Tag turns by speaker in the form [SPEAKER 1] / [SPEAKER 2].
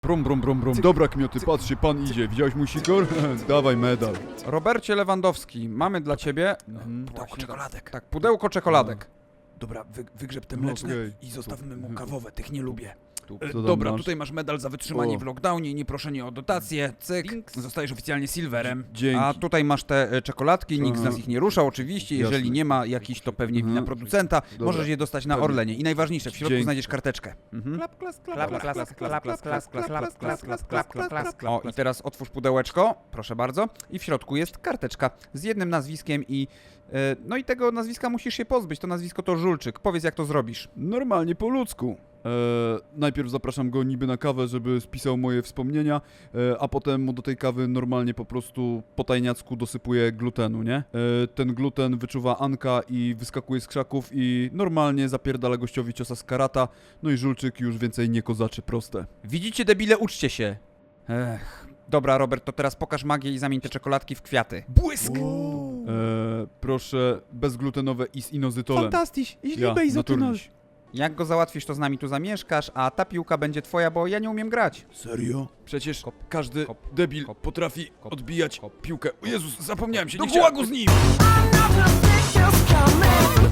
[SPEAKER 1] Brum, brum, brum, brum. Dobra, Kmioty, patrzcie, pan idzie. Widziałeś mój sikor? Dawaj medal.
[SPEAKER 2] Robercie Lewandowski, mamy dla ciebie...
[SPEAKER 3] Pudełko czekoladek.
[SPEAKER 2] Tak, pudełko czekoladek.
[SPEAKER 3] Dobra, wygrzeb te
[SPEAKER 1] No,
[SPEAKER 3] mleczne
[SPEAKER 1] okej.
[SPEAKER 3] i zostawmy mu kawowe, tych nie lubię.
[SPEAKER 1] Co tam
[SPEAKER 3] Dobra,
[SPEAKER 1] masz?
[SPEAKER 3] tutaj masz medal za wytrzymanie
[SPEAKER 1] O.
[SPEAKER 3] w lockdownie i nieproszenie o dotację, cyk, zostajesz oficjalnie silverem.
[SPEAKER 1] Dzięki.
[SPEAKER 2] A tutaj masz te czekoladki, nikt z nas ich nie ruszał oczywiście,
[SPEAKER 1] Jasne.
[SPEAKER 2] jeżeli nie ma jakichś, to pewnie wina producenta,
[SPEAKER 1] Dobra.
[SPEAKER 2] możesz je dostać na
[SPEAKER 1] Pewnie.
[SPEAKER 2] Orlenie. I najważniejsze, w środku
[SPEAKER 1] Dzięki.
[SPEAKER 2] znajdziesz karteczkę. O, i teraz otwórz pudełeczko, proszę bardzo, i w środku jest karteczka z jednym nazwiskiem i... No i tego nazwiska musisz się pozbyć, to nazwisko to Żulczyk. Powiedz, jak to zrobisz.
[SPEAKER 1] Normalnie po ludzku. Najpierw zapraszam go niby na kawę, żeby spisał moje wspomnienia, a potem mu do tej kawy normalnie po prostu po tajniacku dosypuję glutenu, nie? Ten gluten wyczuwa Anka i wyskakuje z krzaków i normalnie zapierdala gościowi ciosa z karata, no i Żulczyk już więcej nie kozaczy, proste.
[SPEAKER 2] Widzicie, debile, uczcie się. Ech. Dobra, Robert, to teraz pokaż magię i zamień te czekoladki w kwiaty.
[SPEAKER 3] Błysk!
[SPEAKER 1] Proszę bezglutenowe i z inozytolem.
[SPEAKER 2] Fantastyś,
[SPEAKER 1] Ja, naturliś.
[SPEAKER 2] Jak go załatwisz, to z nami tu zamieszkasz, a ta piłka będzie twoja, bo ja nie umiem grać.
[SPEAKER 1] Serio? Przecież każdy
[SPEAKER 2] Hop,
[SPEAKER 1] debil
[SPEAKER 2] hop,
[SPEAKER 1] potrafi
[SPEAKER 2] hop,
[SPEAKER 1] odbijać
[SPEAKER 2] hop.
[SPEAKER 1] piłkę. O Jezus, zapomniałem się,
[SPEAKER 3] Do
[SPEAKER 1] nie chciałem.
[SPEAKER 3] gułagu z nim!
[SPEAKER 4] Another picture's coming.